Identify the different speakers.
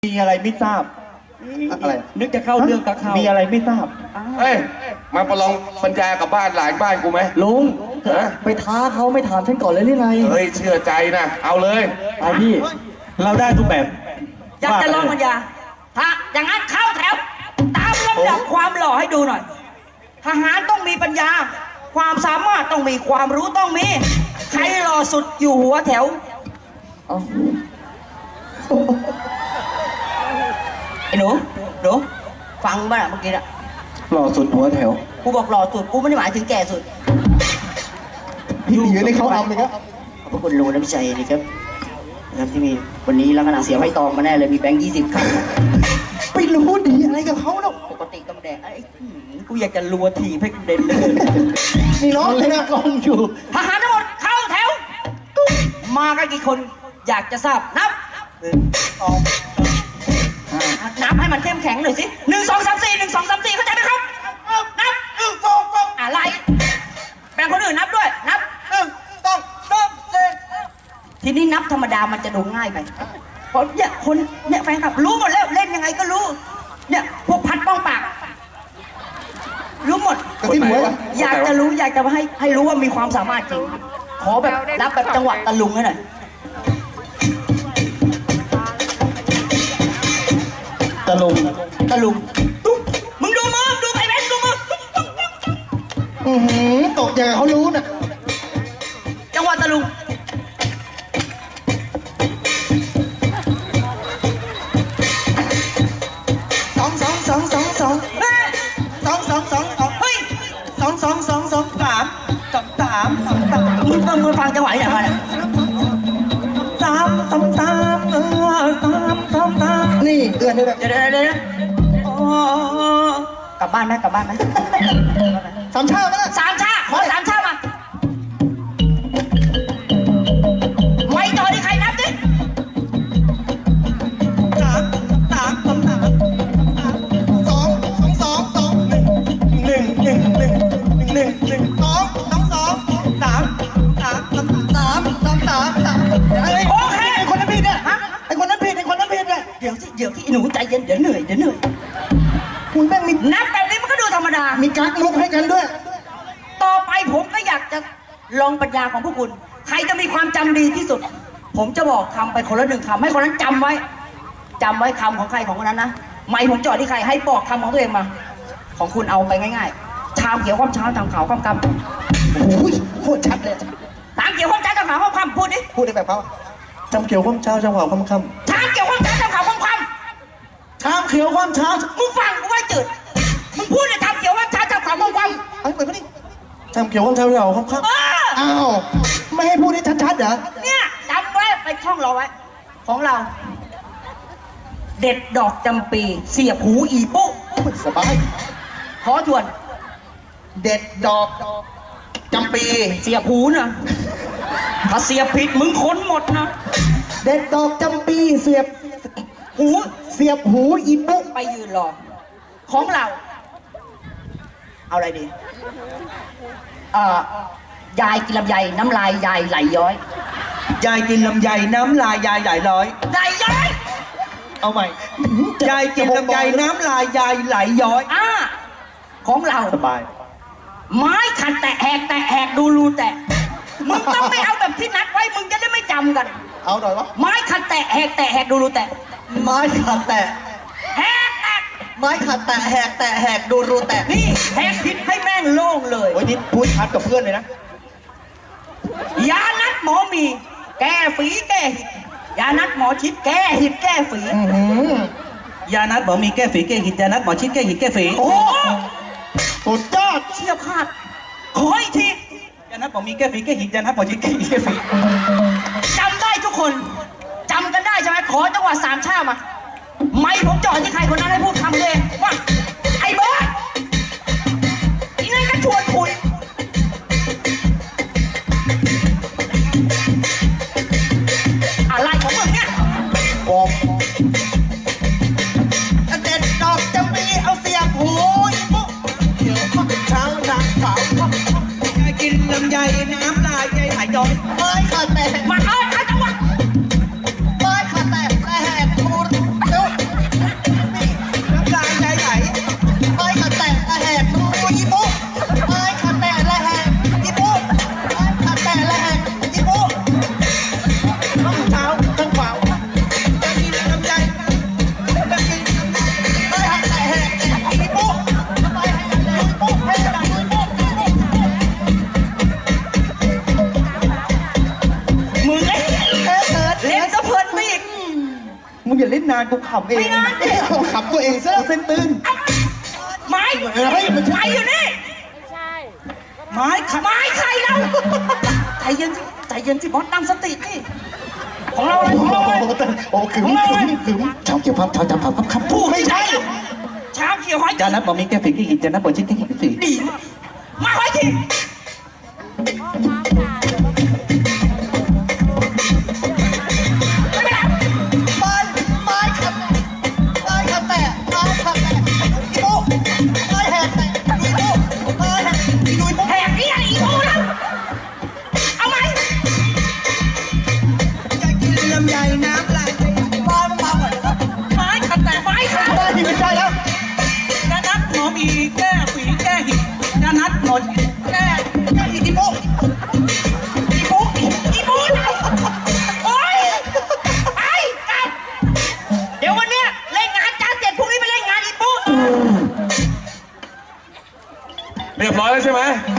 Speaker 1: มีอะไรไม่ทราบอะไร
Speaker 2: นึกจะเข้าเรื่องกับเขา
Speaker 1: มีอะไรไม่ทราบ
Speaker 3: เฮ้ยมาประลองบรรยายกับบ้านหลานบ้านกูไหม
Speaker 2: ลุง
Speaker 3: ฮะ
Speaker 2: ไปท้าเขาไม่ถามฉันก่อนเลยหรือไง
Speaker 3: เฮ้ยเชื่อใจนะเอาเลย
Speaker 2: ไปพี่
Speaker 1: เราได้ทุกแบบ
Speaker 4: อยากจะลองปัญญาถ้าอย่างนั้นเข้าแถว ตามลำดับความหล่อให้ดูหน่อย ทหารต้องมีปัญญา ความสามารถต้องมีความรู้ต้องมี ใครหล่อสุดอยู่หัวแถว
Speaker 2: เอา
Speaker 4: ไอ้หนูฟังบ้างเมื่อกี้อะ
Speaker 1: หล่อสุดหัวแถว
Speaker 4: กูบอกหล่อสุด กูไม่ได้หมายถึงแก่สุด
Speaker 1: พี่หนีในเขาเอาไหมครับ
Speaker 4: ขอบพระคุณลุงน้ำใจนะครับที่มีวันนี้ลักษณะเสียไม้ตองมาแน่เลยมีแบงค์20 ครับ
Speaker 1: ไปรู้ดีอะไรกับเขาเนาะ
Speaker 4: ปกติต้องแดงไอ้กูอยากจะรัวทีให้เด่นเลย
Speaker 1: มีน้องเล่นกล้องอยู่
Speaker 4: ทหารทั้งหมดเข้าแถว มากันกี่คนอยากจะทราบนับนับให้มันเข้มแข็งหน่อยสิ1 2 3 4 1 2 3 4เข้าใจไหมครับนับอะไรแบ่งคนอื่นนับด้วยนับทีนี้นับธรรมดามันจะดูง่ายไปเพราะเนี่ยคนเนี่ยแฟนคลับรู้หมดแล้วเล่นยังไงก็รู้เนี่ยพวกพัดป้องปากรู้หมด
Speaker 1: กระซิบหัว
Speaker 4: อยากจะรู้อยากจะให้รู้ว่ามีความสามารถจริง ขอแบบรับแบบจังหวะตะลุงให้หน่อย
Speaker 1: ตะลุง
Speaker 4: ตะลุงตุ๊บมึงดูมือดูไอ้เบนดูมือ
Speaker 1: ตกอย่างเขารู้น่ะ
Speaker 4: จังหวะตะลุงเฮ้ยมึงฟังจังหวะอย่างไร
Speaker 1: นี่เดือนนี้แหละ
Speaker 4: เดี๋ยวกลับบ้านไหม
Speaker 1: สามชาติไหมล่ะ
Speaker 4: สามชาขอสามชามาไม่ต่อที่ใครนับดิโอเค
Speaker 1: ไอ้คนนั้นผิดเนี่ยไอ้คนนั้นผิดเนี่ย
Speaker 4: เดี๋ยวที่หนูใจเย็นเดี๋ยวเหนื่อย
Speaker 1: คุณแม่งมี
Speaker 4: นับแบบนี้มันก็ดูธรรมดา
Speaker 1: มีกั๊กมุกให้กันด้วย
Speaker 4: ต่อไปผมก็อยากจะลองปัญญาของพวกคุณ ใครจะมีความจำดีที่สุด ผมจะบอกคำไปคนละ1 คำให้คนนั้นจำไว้คำของใครของคนนั้นนะไม่ผมจอดที่ใครให้บอกคำของตัวเองมา ของคุณเอาไปง่ายๆชามเขียวความเช้าชามขาวความกำ
Speaker 1: โอ้ยโคตรชัดเลย
Speaker 4: ชามเขียวความเช้าชามขาวความคำพูดดิ
Speaker 1: พูดได้แบบเขาจำเขียวความเช้าจำขาวความค่
Speaker 4: ชามเขียวความเช้าชามขาวความค
Speaker 1: ำชามเขียวความเช้า
Speaker 4: ำมึงฟังกูไว้จืดมึงพูดเลยชามเขียวความเช้าชามขาวความคำ
Speaker 1: ไอ้เหมือนกันนี่จำเขียวความเช้าเราความค่ำ
Speaker 4: เออ
Speaker 1: อ้าวไม่ให้พูดได้ชัดๆเหรอ
Speaker 4: เนี่ยจำไว้ไปท่องเราไว้ ของเรา เด็ดดอกจำปีเสียบหูอีปุ๊
Speaker 1: สบาย
Speaker 4: ขอทวน
Speaker 1: เด็ดดอกจำปี
Speaker 4: เสียบหูนะถ้าเสียบผิดมึงค้นหมดนะ
Speaker 1: เด็ดดอกจำปีเสียบ
Speaker 4: หู
Speaker 1: หูอีปุ๊
Speaker 4: ไปยืนรอ ของเรา เอาอะไรดียายกินลำไยน้ำลายยายไหลย้อย
Speaker 2: ยายกินลำไยน้ำลายยายไหลย้อย
Speaker 4: ไหลย้อย
Speaker 2: เอาใหม่ยายกินลำไยน้ำลายยายไหลย้อย
Speaker 4: ของเรา
Speaker 1: สบาย
Speaker 4: ไม้ขัดแตะแหกดูรูแตะมึงต้องไม่เอาแบบที่นัดไว้มึงจะได้ไม่จำกัน
Speaker 1: เอาหน่อยวะ
Speaker 4: ไม้ขัดแตะแหกดูรูแตะ
Speaker 1: ไม้ขัดแตะ
Speaker 4: แหกแตะ
Speaker 1: ไม้ขัดแตะแหกดูรูแตะ
Speaker 4: นี่แหกผิดให้แม่งโล่งเลย
Speaker 1: โอ้ยนี่พูดชัดกับเพื่อนเลยนะ
Speaker 4: ยานัดหมอมี แก้ฝีแก้หิดยานัดหมอชิดแก้หิดแก้ฝี
Speaker 2: ยานัดหมอมีแก้ฝีแก้หิดยานัดหมอชิดแก้หิดแก้ฝี
Speaker 4: โอ้โห
Speaker 1: สุดยอด
Speaker 4: เชี่ยพลาดขออีกที
Speaker 2: ยานัดหมอมีแก้ฝีแก้หิดยานัดหมอชิดแก้หิดแก้ฝี
Speaker 4: จำได้ทุกคนจำกันได้ใช่ไหมขอจังหวะสามชามาไม่ผมจ่อที่ใครคนนั้นให้พูดคำเลยว่าไอ้บอสอีนั่นก็ชวนคุยอะไรของมึงเนี่ย
Speaker 1: บอกเด็ดดอกจำปีเอาเสียบหูอีปุ๊เขียวข้าวเช้าจางขาว
Speaker 2: ยายกินลำไยน้ำลายยายไหลย้อย
Speaker 1: ไม้ขัดแตะ
Speaker 4: มาเอาจังหวะ
Speaker 1: ไม้ขัดแตะแหกดู
Speaker 2: านกูขำเอง
Speaker 4: ไม่งานดิ
Speaker 1: ขับตัวเองซะ
Speaker 2: เส้นตื้น
Speaker 4: ไม้
Speaker 1: เฮ้ยมัน
Speaker 4: ไม้อยู่นี่
Speaker 2: ไม้ขัด
Speaker 4: ไม้ใครเราใจเย็นสิใจเย็นสิบอสตั้งสติสิของเราเลยของเราเลย
Speaker 1: โอ้ขึมเช้าเกี่ยวพับเช้าจำพับครับ
Speaker 4: ถูกไม่ใช่เช้าเขียวหอย
Speaker 2: จานัดบอกมีแก้ฝีที่หินจานัดบอกชิ้นที่หินสี
Speaker 4: ดีมาหอยทีไม่เป็นไร
Speaker 1: ไม้ขับไม้ขับแตะไม้ขับแตะอีโม่ไม้แหกแตะอีโม่ไม้แหกอีดุย
Speaker 4: แหกนี่อะไรอีโม่แล้วเอาไหม
Speaker 2: อยากกินลำไยน้ำลาย
Speaker 1: มาก่อนนะครับ
Speaker 4: ไม้ขัดแต่ไม้ขัด
Speaker 1: ไม่ใช่แล้ว
Speaker 2: จานัดหมอมีแก้ฝีแก้หินจานัดหมด
Speaker 4: แน่อีโม่อีโม่อีโม่โอ๊ยไอ้กลับเดี๋ยววันเนี้ยเล่นงานจ้าเสร็จพรุ่งนี้ไปเล่นงานอีโม่
Speaker 3: เรียบร้อยแล้วใช่ไหม
Speaker 4: เ